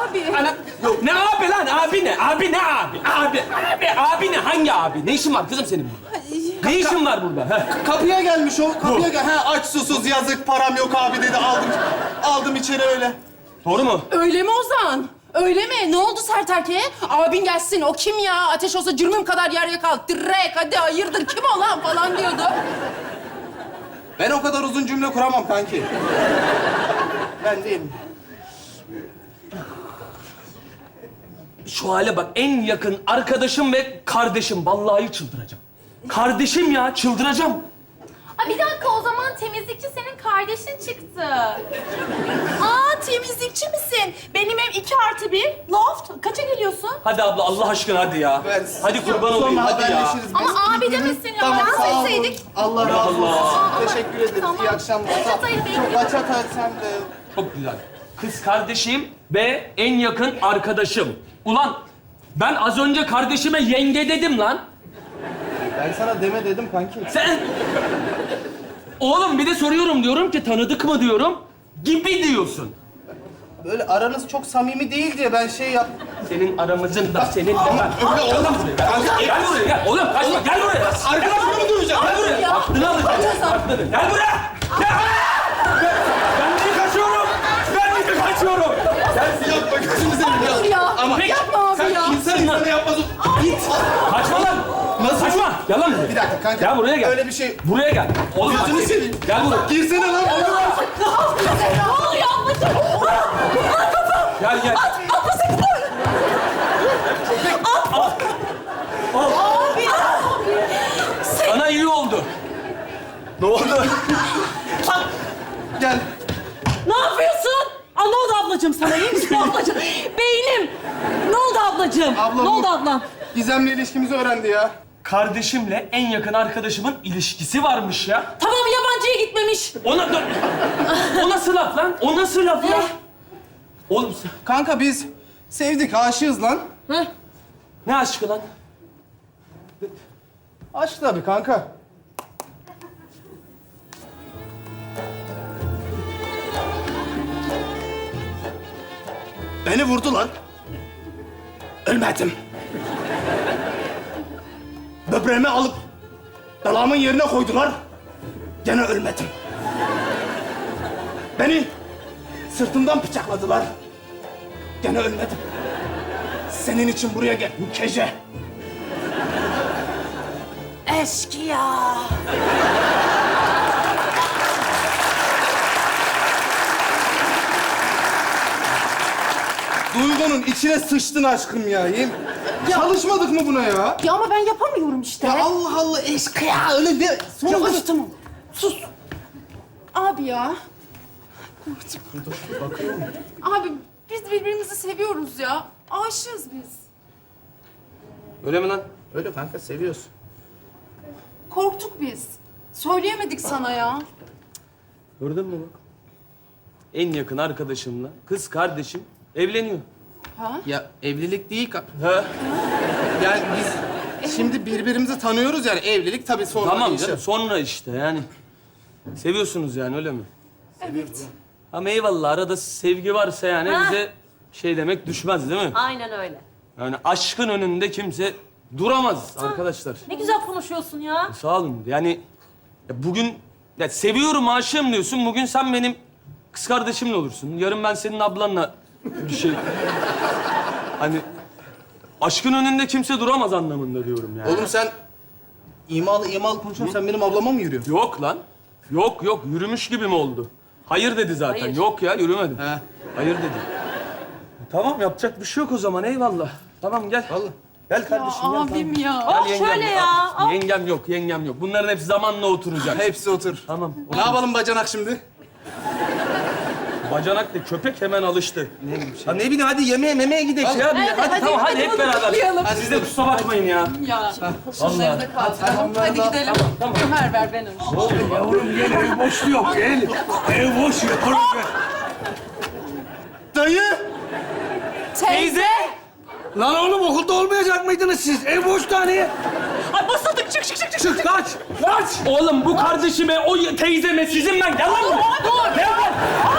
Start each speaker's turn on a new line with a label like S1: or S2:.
S1: abi.
S2: Ana, yok ne abi lan? Abi ne? Abi ne abi? Abi ne? Hangi abi? Ne işin var kızım senin burada? Ne işin var burada? Heh.
S3: Kapıya gelmiş o. Kapıya gel. Ha aç susuz yazık param yok abi dedi. Aldım içeri öyle.
S2: Doğru mu?
S1: Öyle mi Ozan? Öyle mi? Ne oldu sert erkeğe? Abin gelsin, o kim ya? Ateş olsa cürmüm kadar yer yakal. Direkt, hadi hayırdır, kim o lan falan diyordu.
S3: Ben o kadar uzun cümle kuramam kanki. Ben değilim.
S2: Şu hale bak, en yakın arkadaşım ve kardeşim. Vallahi çıldıracağım. Kardeşim ya, çıldıracağım.
S4: Aa, bir dakika, o zaman temizlikçi senin kardeşin çıktı.
S1: Aa, temizlikçi misin? Benim ev 2+1, loft. Kaça geliyorsun?
S2: Hadi abla, Allah aşkına hadi ya. Hadi kurban olayım,
S3: Sonra
S2: hadi ya.
S3: haberleşiriz biz.
S4: Ama abi demesin ya.
S3: Tamam
S4: Ben
S3: sağ olun.
S4: söyleseydik.
S3: Allah razı olsun.
S2: Allah.
S3: Teşekkür ederiz.
S4: Tamam.
S3: İyi akşamlar.
S4: Reşat Hayır Bey.
S3: Reşat Hayır sen de.
S2: Çok güzel. Kız kardeşim ve en yakın arkadaşım. Ulan ben az önce kardeşime yenge dedim lan.
S3: Ben sana deme dedim kanki.
S2: Sen... Oğlum bir de soruyorum, diyorum ki tanıdık mı diyorum. Gibi diyorsun.
S3: Böyle aranız çok samimi değil diye ben şey yap...
S2: Senin aramızın da senin de ben.
S3: Öyle oğlum.
S2: Gel buraya gel. Oğlum kaçma, gel buraya.
S3: Arkadaşımı duyacağım.
S2: Gel buraya. Aklını alacağım. Aklını. Gel buraya. Gel. Ben niye kaçıyorum? Ben niye kaçıyorum?
S3: Sen yapma gözünü seveyim
S1: Dur ya.
S3: Ama
S1: Yapma abi
S3: sen
S1: ya.
S3: insan insana yapmaz. Git.
S2: Kaçma lan.
S3: Nasıl?
S2: Kaçma. Gel lan buraya.
S3: Bir dakika kanka.
S2: Gel buraya gel.
S3: Öyle bir şey.
S2: Buraya gel. Oğlum bak.
S3: Gözünü seveyim.
S2: Gel buraya.
S3: Girsene lan.
S1: Ne oluyor ablacığım?
S2: Gel gel.
S1: Abi.
S2: Sana iyi oldu. Ne oldu?
S3: Gel.
S5: Ne yapıyorsun? Aa, ne oldu ablacığım sana? İyi misin ablacığım? Beynim. Ne oldu ablacığım?
S3: Ablam
S5: ne oldu
S3: bu-
S5: ablam?
S3: Gizem'le ilişkimizi öğrendi ya.
S2: Kardeşimle en yakın arkadaşımın ilişkisi varmış ya.
S5: Tamam, yabancıya gitmemiş.
S2: Ona... O nasıl laf lan? O nasıl laf ya? Oğlum sen...
S3: Kanka biz sevdik, aşığız lan.
S5: Heh.
S2: Ne aşkı lan?
S3: Aşk tabii kanka. Beni vurdular. Ölmedim. Böbreğimi alıp dalağımın yerine koydular. Gene ölmedim. Beni sırtımdan bıçakladılar. Gene ölmedim. Senin için buraya geldim Kece.
S1: Eşkıya.
S3: Duygunun içine sıçtın aşkım ya. Çalışmadık mı buna ya?
S1: Ya ama ben yapamıyorum işte.
S3: Ya Allah Allah eşkıya öyle de.
S1: Ya
S3: Sonra
S1: hadi tamam. Sus. Abi ya. Abi biz birbirimizi seviyoruz ya. Aşığız biz.
S2: Öyle mi lan?
S3: Öyle kanka seviyorsun.
S1: Korktuk biz. Söyleyemedik sana ya.
S2: Gördün mü bak? En yakın arkadaşımla kız kardeşim evleniyor.
S1: Ha?
S3: Ya evlilik değil
S2: Ha?
S3: yani biz şimdi birbirimizi tanıyoruz yani evlilik tabii sonra
S2: Tamam
S3: değişir.
S2: canım, sonra işte yani. Seviyorsunuz yani, öyle mi?
S1: Evet.
S2: Ama eyvallah, arada sevgi varsa yani
S5: Ha.
S2: bize şey demek düşmez değil mi?
S5: Aynen öyle.
S2: Yani aşkın önünde kimse duramaz arkadaşlar.
S5: Ne güzel konuşuyorsun ya.
S2: Sağ olun. Yani ya bugün ya seviyorum, aşığım diyorsun. Bugün sen benim kız kardeşimle olursun. Yarın ben senin ablanla bir şey... Hani aşkın önünde kimse duramaz anlamında diyorum yani.
S3: Oğlum sen imalı konuşuyorsun sen benim ablama mı yürüyorsun?
S2: Yok lan. Yok yok. Yürümüş gibi mi oldu? Hayır dedi zaten.
S5: Hayır.
S2: Yok ya, yürümedim.
S3: He.
S2: Hayır dedi. Tamam, yapacak bir şey yok o zaman. Eyvallah. Tamam gel.
S3: Vallahi.
S2: Gel
S1: Ya
S2: kardeşim gel.
S1: abim
S2: tamam.
S1: ya.
S5: Oh,
S2: Gel
S5: şöyle ya.
S2: Al. Yengem yok, yengem yok. Bunların hepsi zamanla oturacak.
S3: Hepsi otur.
S2: Tamam.
S3: Ne yapalım bacanak şimdi?
S2: Bacanak da köpek hemen alıştı. Ha ne bileyim, hadi yemeğe memeye gidelim ya.
S5: Hadi,
S2: Tamam hadi hep
S1: bunu
S2: beraber.
S1: kutlayalım.
S2: Siz de kusura bakmayın ya.
S1: Ya. Şunları da kaldıralım. Hadi gidelim.
S2: Tamam.
S1: Ömer ver ben önce.
S6: Yavrum gel, ev boş yok, gel. Ev boş yok, oğlum gel.
S3: Dayı!
S1: Teyze.
S6: Lan oğlum okulda olmayacak mıydınız siz? Ev boş hani.
S5: Ay basıldık, çık çık çık çık.
S6: Çık kaç, kaç.
S2: Oğlum bu kardeşime, o teyzeme, sizin ben. Gel lan buraya. Gel lan.